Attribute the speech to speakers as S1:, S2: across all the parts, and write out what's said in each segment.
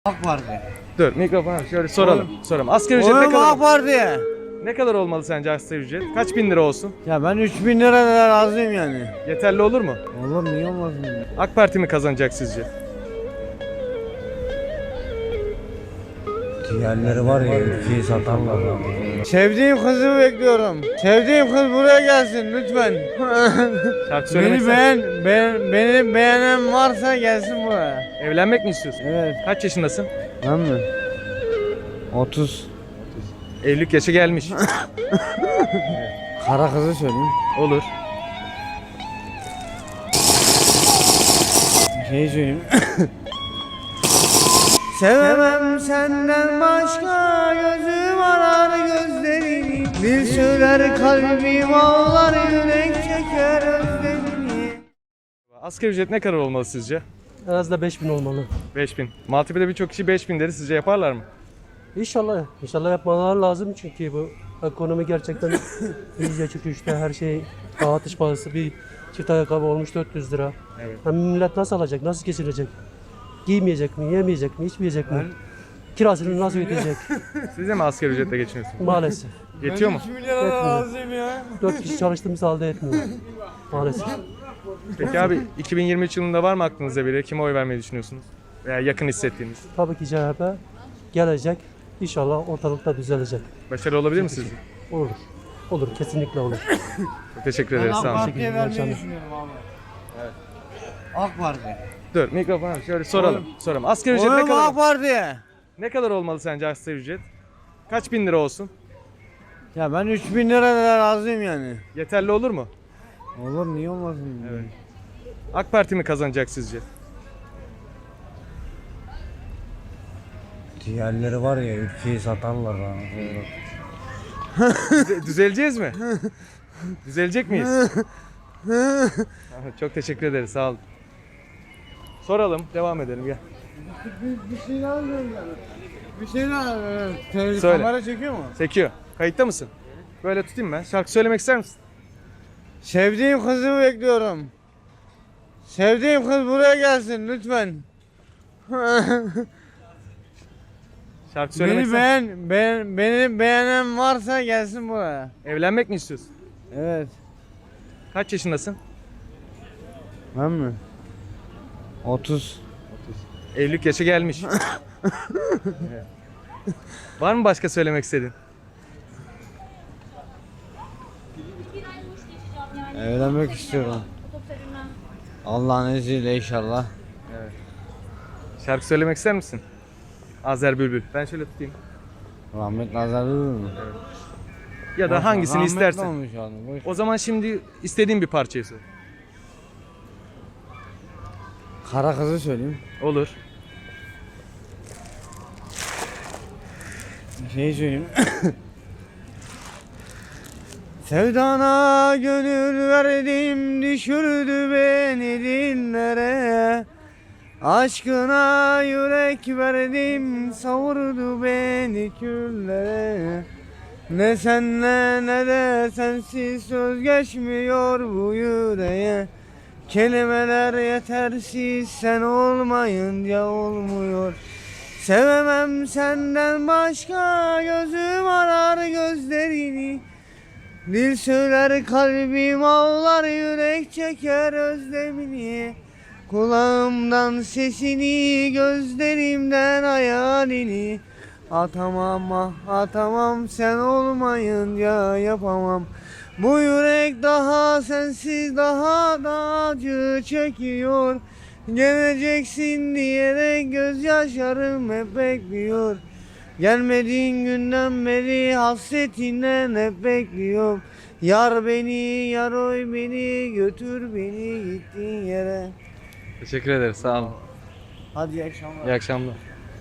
S1: AK Parti.
S2: Dur mikrofonu şöyle soralım. Asgari ücret ne
S1: Oğlum
S2: kadar?
S1: AK Parti.
S2: Ne kadar olmalı sence asgari ücret? Kaç bin lira olsun?
S1: Ya ben 3000 lira da razıyım yani.
S2: Yeterli olur mu?
S1: Oğlum niye olmasın?
S2: AK Parti mi kazanacak sizce?
S1: Diğerleri var ya ülkeyi satarlar. Sevdiğim kızı bekliyorum. Sevdiğim kız buraya gelsin lütfen.
S2: Şarkı söylemek
S1: beni beni beğenen varsa gelsin buraya.
S2: Evlenmek mi istiyorsun?
S1: Evet.
S2: Kaç yaşındasın?
S1: Ben mi? 30.
S2: Evlilik yaşı gelmiş.
S1: Kara kızı söyleyeyim.
S2: Olur.
S1: Bir şey söyleyeyim. Sevemem senden başka, gözüm arar gözlerini. Dil söyler kalbim ağlar, yürek çeker özlemini.
S2: Asgari ücret ne kadar olmalı sizce?
S3: En az da 5000 olmalı.
S2: 5000. Maltepe'de birçok kişi 5000 dedi. Sizce yaparlar mı?
S3: İnşallah yapmaları lazım çünkü bu ekonomi gerçekten iyice çöküşte, her şey dağıtış pahası, bir çift ayakkabı olmuş 400 lira.
S2: Evet.
S3: Hem millet nasıl alacak, nasıl geçirecek? Giymeyecek mi, yemeyecek mi, içmeyecek mi? Kirasını nasıl ödeyecek?
S2: Siz de mi asgari ücretle geçiniyorsunuz?
S3: Maalesef.
S2: Yetiyor mu?
S3: Yetmiyor. 4 kişi çalıştığımız halde etmiyor. Maalesef.
S2: Peki abi 2023 yılında var mı aklınızda biri? Kime oy vermeyi düşünüyorsunuz? Veya yakın hissettiğiniz?
S3: Tabii ki CHP gelecek. İnşallah ortalıkta düzelecek.
S2: Başarılı olabilir mi sizce?
S3: Olur. Olur, kesinlikle olur.
S2: Çok teşekkür ederiz.
S1: AK
S2: Sağ olun.
S1: Parti'ye vermeyi
S3: Akşamlar.
S1: düşünüyorum abi. Evet. AK Parti.
S2: Dur mikrofonu şöyle soralım. Asgari ücret ne
S1: Oğlum
S2: kadar?
S1: AK Parti.
S2: Ne kadar olmalı sence asgari ücret? Kaç bin lira olsun?
S1: Ya ben 3000 lira da razıyım yani.
S2: Yeterli olur mu?
S1: Olur niye olmasın?
S2: Evet. AK Parti mi kazanacak sizce?
S1: Diğerleri var ya ülkeyi satarlar.
S2: Düzeleceğiz mi? Düzelecek miyiz? Çok teşekkür ederiz. Sağ olun. Soralım, devam edelim gel.
S1: Bir şey daha söyleyeyim. Bir şey daha.
S2: Söyle.
S1: Kamera çekiyor mu?
S2: Çekiyor. Kayıtta mısın? Böyle tutayım ben. Şarkı söylemek ister misin?
S1: Sevdiğim kızı bekliyorum. Sevdiğim kız buraya gelsin lütfen.
S2: Şarkı söylemek ister misin?
S1: Beni beğenen varsa gelsin buraya.
S2: Evlenmek mi istiyorsun?
S1: Evet.
S2: Kaç yaşındasın?
S1: Ben mi? 30.
S2: Evlilik yaşı gelmiş. Evet. Var mı başka söylemek istediğin?
S1: Evlenmek istiyorum. Allah'ın izniyle inşallah.
S2: Şarkı söylemek ister misin? Azer Bülbül. Ben şöyle tutayım.
S1: Rahmet nazar durur mu?
S2: Ya da hangisini
S1: Rahmetli
S2: istersen.
S1: olmuş yani, boş.
S2: O zaman şimdi istediğin bir parçayı söyle.
S1: Kara kızı söyleyeyim.
S2: Olur.
S1: Bir şey söyleyeyim. Sevdana gönül verdim, düşürdü beni dillere. Aşkına yürek verdim, savurdu beni küllere. Ne senle ne de sensiz söz geçmiyor bu yüreğe. Kelimeler yetersiz, sen olmayınca olmuyor. Sevemem senden başka, gözüm arar gözlerini. Dil söyler kalbim ağlar, yürek çeker özlemini. Kulağımdan sesini, gözlerimden hayalini. Atamam ah atamam, sen olmayınca yapamam. Bu yürek daha sensiz daha da acı çekiyor. Geleceksin diyerek gözyaşlarım hep bekliyor. Gelmediğin günden beri hasretinden hep bekliyorum. Yar beni, yar oy beni, götür beni gittiğin yere.
S2: Teşekkür ederiz. Sağ olun.
S1: Hadi iyi akşamlar.
S2: İyi akşamlar.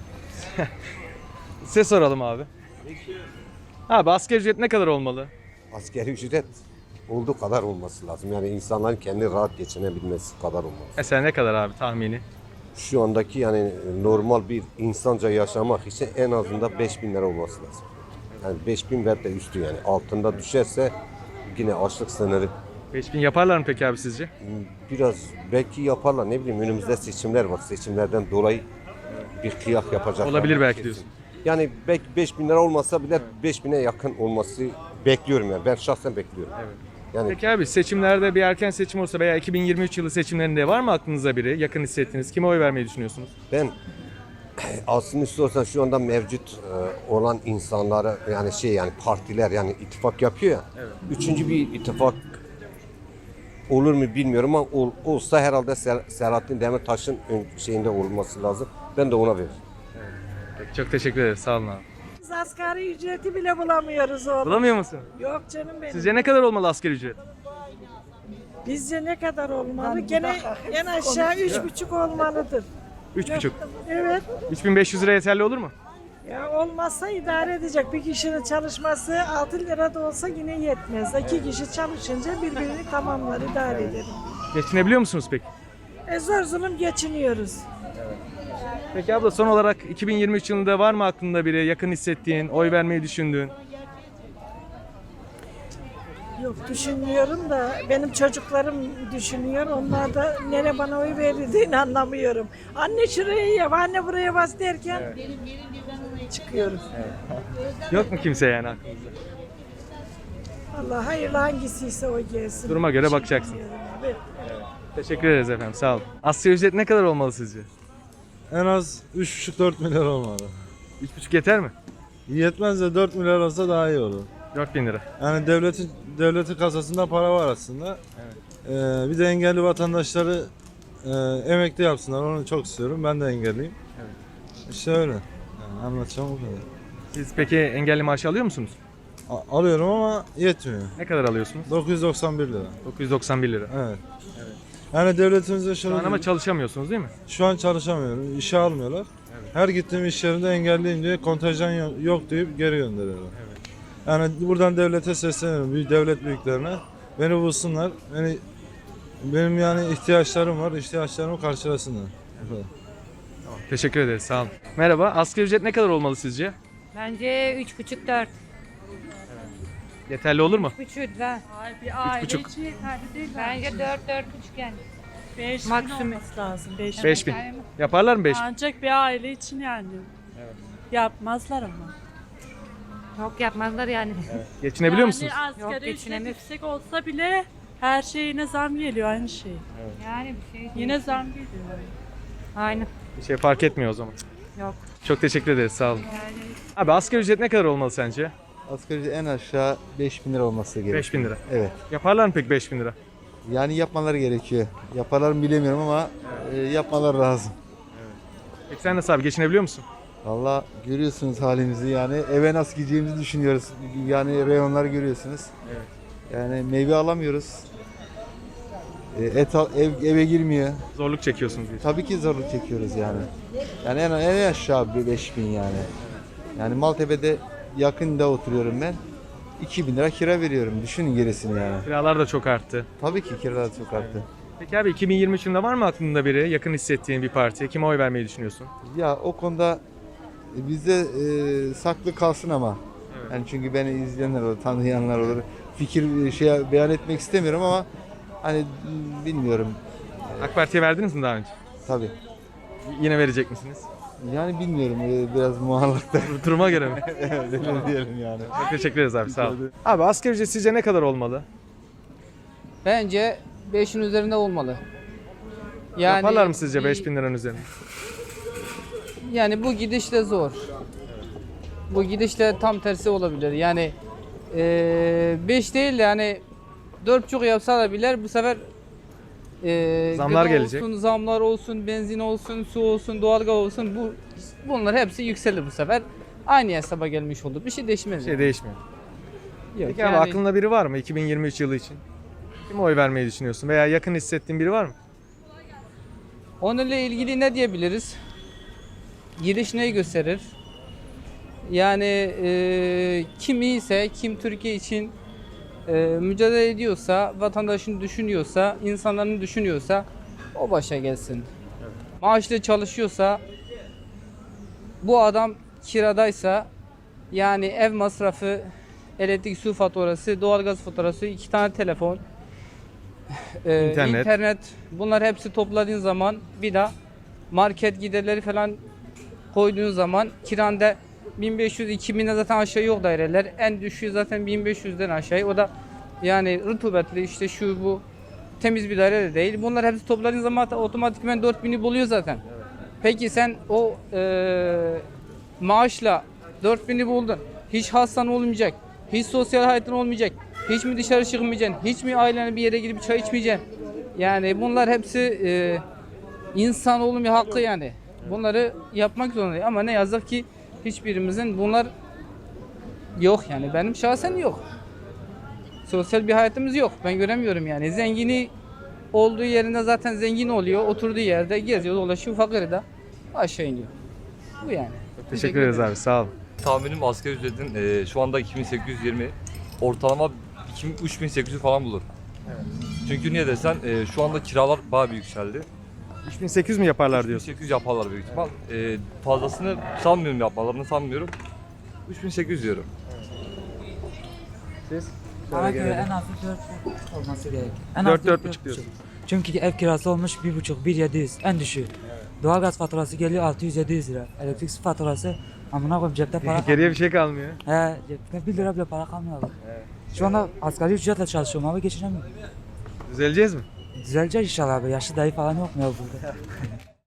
S2: Size soralım abi. Abi asgari ücret ne kadar olmalı?
S4: Asgari ücret olduğu kadar olması lazım. Yani insanların kendi rahat geçinebilmesi kadar olmalı.
S2: Mesela ne kadar abi tahmini?
S4: Şu andaki yani normal bir insanca yaşamak için en azından 5.000 lira olması lazım. Yani 5.000 ve de üstü yani. Altında düşerse yine açlık sınırı.
S2: 5000 yaparlar mı peki abi sizce?
S4: Biraz belki yaparlar, ne bileyim, önümüzde seçimler var. Seçimlerden dolayı bir kıyak yapacak.
S2: Olabilir belki diyorsun.
S4: Yani belki 5.000 lira olmasa bile 5.000'e yakın olması bekliyorum yani. Ben şahsen bekliyorum.
S2: Evet.
S4: Yani
S2: Peki abi seçimlerde bir erken seçim olsa veya 2023 yılı seçimlerinde var mı aklınıza biri yakın hissettiğiniz? Kime oy vermeyi düşünüyorsunuz?
S4: ben aslında istiyorsan şu anda mevcut olan insanlara yani yani partiler yani ittifak yapıyor ya.
S2: Evet.
S4: Üçüncü bir ittifak olur mu bilmiyorum ama olsa herhalde Selahattin Demirtaş'ın şeyinde olması lazım. Ben de ona veririm.
S2: Peki, çok teşekkür ederiz. Sağ olun abi.
S5: Biz asgari ücreti bile bulamıyoruz oğlum.
S2: Bulamıyor musun?
S5: Yok canım benim.
S2: Sizce ne kadar olmalı asgari ücret?
S5: Bizce ne kadar olmalı? Gene en aşağı 3,5 olmalıdır.
S2: 3,5.
S5: Evet.
S2: 3500 lira yeterli olur mu?
S5: Ya olmazsa idare edecek. Bir kişinin çalışması 6 lira da olsa yine yetmez. 2 kişi çalışınca birbirini tamamlar, idare ederim.
S2: Geçinebiliyor musunuz peki?
S5: Zor zulüm geçiniyoruz.
S2: Peki abla son olarak 2023 yılında var mı aklında biri yakın hissettiğin, oy vermeyi düşündüğün?
S5: Yok düşünmüyorum da benim çocuklarım düşünüyor. Onlar da nere bana oy verildiğini anlamıyorum. Anne şuraya yap, anne buraya bas derken çıkıyoruz.
S2: Yok mu kimse yani aklınızda?
S5: Allah hayırlı hangisiyse o gelsin.
S2: Duruma göre bakacaksın.
S5: Evet.
S2: Teşekkür ederiz efendim, sağ olun. Asgari ücret ne kadar olmalı sizce?
S1: En az 3,5-4 milyar olmalı.
S2: 3,5 yeter mi?
S1: Yetmez de 4 milyar olsa daha iyi olur.
S2: 4000 lira.
S1: Yani devletin kasasında para var aslında. Bir de engelli vatandaşları emekli yapsınlar. Onu çok istiyorum. Ben de engelliyim.
S2: Evet.
S1: İşte öyle. Yani anlatacağım o kadar.
S2: Siz peki engelli maaşı alıyor musunuz?
S1: Alıyorum ama yetmiyor.
S2: Ne kadar alıyorsunuz?
S1: 991 lira.
S2: 991 lira.
S1: Evet. Yani devletimizde
S2: Şu
S1: şöyle
S2: an ama çalışamıyorsunuz değil mi?
S1: şu an çalışamıyorum. İşe almıyorlar. Her gittiğim iş yerinde engelliyim diye kontenjan yok deyip geri gönderiyorlar. Yani buradan devlete sesleniyorum. Devlet büyüklerine. Beni bulsunlar. Benim yani ihtiyaçlarım var. İhtiyaçlarımı karşılasınlar. Bu kadar.
S2: Teşekkür ederiz, sağ olun. Merhaba, asgari ücret ne kadar olmalı sizce?
S6: Bence 3,5-4.
S2: Yeterli olur mu?
S6: 3,5 da.
S7: Bir aile
S2: 3,5.
S7: için yeterli değil
S6: Bence 4-4,5 yani.
S7: 5
S6: maksimum.
S7: olması lazım. 5
S2: 5000. Yaparlar mı 5000?
S7: Ancak bir aile için yani. Yapmazlar ama.
S6: Çok yapmazlar yani.
S2: Geçinebiliyor musunuz?
S7: Yani asgari
S6: Yok,
S7: ücret
S6: geçinemiyoruz.
S7: yüksek olsa bile her şeye zam geliyor aynı şey.
S6: Yani bir şey değil.
S7: Yine zam geliyor.
S6: Aynı.
S2: Bir şey fark etmiyor o zaman.
S6: Yok.
S2: Çok teşekkür ederiz, sağ olun. Abi asgari ücret ne kadar olmalı sence?
S8: Asgari ücret en aşağı 5.000 lira olması gerekiyor.
S2: 5000 lira.
S8: Evet.
S2: Yaparlar mı peki 5000 lira?
S8: Yani yapmaları gerekiyor. Yaparlar mı bilemiyorum ama yapmaları lazım.
S2: Peki sen nasıl abi, geçinebiliyor musun?
S8: Valla görüyorsunuz halimizi yani eve nasıl gideceğimizi düşünüyoruz. Yani reyonları görüyorsunuz.
S2: Evet.
S8: Yani meyve alamıyoruz. Eve girmiyor.
S2: Zorluk çekiyorsunuz diye.
S8: Tabii ki zorluk çekiyoruz yani. Yani en aşağı bir 5.000 yani. Yani Maltepe'de yakında oturuyorum ben. 2.000 lira kira veriyorum. Düşünün gerisini yani.
S2: Kiralar da çok arttı.
S8: Tabii ki kiralar çok arttı.
S2: Peki abi 2023 yılında var mı aklında biri yakın hissettiğin bir partiye? Kime oy vermeyi düşünüyorsun?
S8: Ya o konuda bizde saklı kalsın ama.
S2: Evet.
S8: Yani çünkü beni izleyenler olur, tanıyanlar olur. Fikir beyan etmek istemiyorum ama hani bilmiyorum
S2: AK Parti'ye verdiniz mi daha önce?
S8: tabii.
S2: Yine verecek misiniz?
S8: Yani bilmiyorum biraz muallakta.
S2: Duruma göre mi?
S8: Öyle diyelim yani.
S2: Çok teşekkür ederiz abi, sağ olun. Abi asgari ücret sizce ne kadar olmalı?
S9: Bence 5'in üzerinde olmalı. Yani,
S2: Yaparlar mı sizce 5000 liranın üzerine?
S9: Yani bu gidişle zor. Bu gidişle tam tersi olabilir. Yani 5 değil de yani 4,5 yapsalar bile bu sefer
S2: Zamlar
S9: gıda
S2: gelecek.
S9: olsun, zamlar olsun, benzin olsun, su olsun, doğalgaz olsun bunlar hepsi yükselir bu sefer. Aynı hesaba gelmiş olur. Bir şey değişmez.
S2: Bir şey
S9: yani.
S2: değişmiyor.
S9: Yok,
S2: Peki abi aklında biri var mı 2023 yılı için? Kime oy vermeyi düşünüyorsun? Veya yakın hissettiğin biri var mı?
S9: Onunla ilgili ne diyebiliriz? Gidiş neyi gösterir? Yani kim iyiyse, kim Türkiye için mücadele ediyorsa, vatandaşını düşünüyorsa, insanlarını düşünüyorsa o başa gelsin. Maaşlı çalışıyorsa, bu adam kiradaysa, yani ev masrafı, elektrik su faturası, doğalgaz faturası, 2 tane telefon,
S2: İnternet.
S9: internet, bunlar hepsi topladığın zaman bir de market giderleri falan koyduğun zaman kiranda 1500-2000'e zaten aşağı yok daireler. En düşüğü zaten 1500'den aşağı. O da yani rutubetli işte şu bu temiz bir daire de değil. Bunlar hepsi topladığın zaman otomatikman 4000'i buluyor zaten. Peki sen o maaşla 4000'i buldun. Hiç hastan olmayacak. Hiç sosyal hayatın olmayacak. Hiç mi dışarı çıkmayacaksın? Hiç mi ailene bir yere gidip çay içmeyeceksin? Yani bunlar hepsi insanoğlunun bir hakkı yani. Bunları yapmak zorundayız. Ama ne yazık ki hiçbirimizin bunlar yok yani. Benim şahsen yok. Sosyal bir hayatımız yok. Ben göremiyorum yani. Zengini olduğu yerinde zaten zengin oluyor. Oturduğu yerde geziyor, dolaşıyor. Fakiri de aşağı iniyor. Bu yani.
S2: Teşekkür ederiz abi. Sağ olun.
S10: Tahminim asgari ücretin şu anda 2820, ortalama 3800 falan bulur. Çünkü niye desen şu anda kiralar bayağı bir yükseldi.
S2: 3800 mi yaparlar diyorsun?
S10: 3800 yaparlar büyük ihtimal. Fazlasını sanmıyorum, yapmalarını sanmıyorum. 3800 diyorum.
S11: Bana göre en az 4 olması gerek. En az
S2: 4-4,5 diyorsun.
S11: Çünkü ev kirası olmuş 1,5-1,700 en düşüğü. Doğalgaz faturası geliyor 600-700 lira. Elektrik su faturası amına koyayım cepte para kalmıyor.
S2: Geriye bir şey kalmıyor.
S11: He cepte 1 lira bile para kalmıyor abi. Şu anda asgari ücretle çalışıyorum abi geçinemiyorum.
S2: Düzeleceğiz mi?
S11: Düzeleceğiz inşallah abi. Yaşlı dayı falan yok mu ya burada?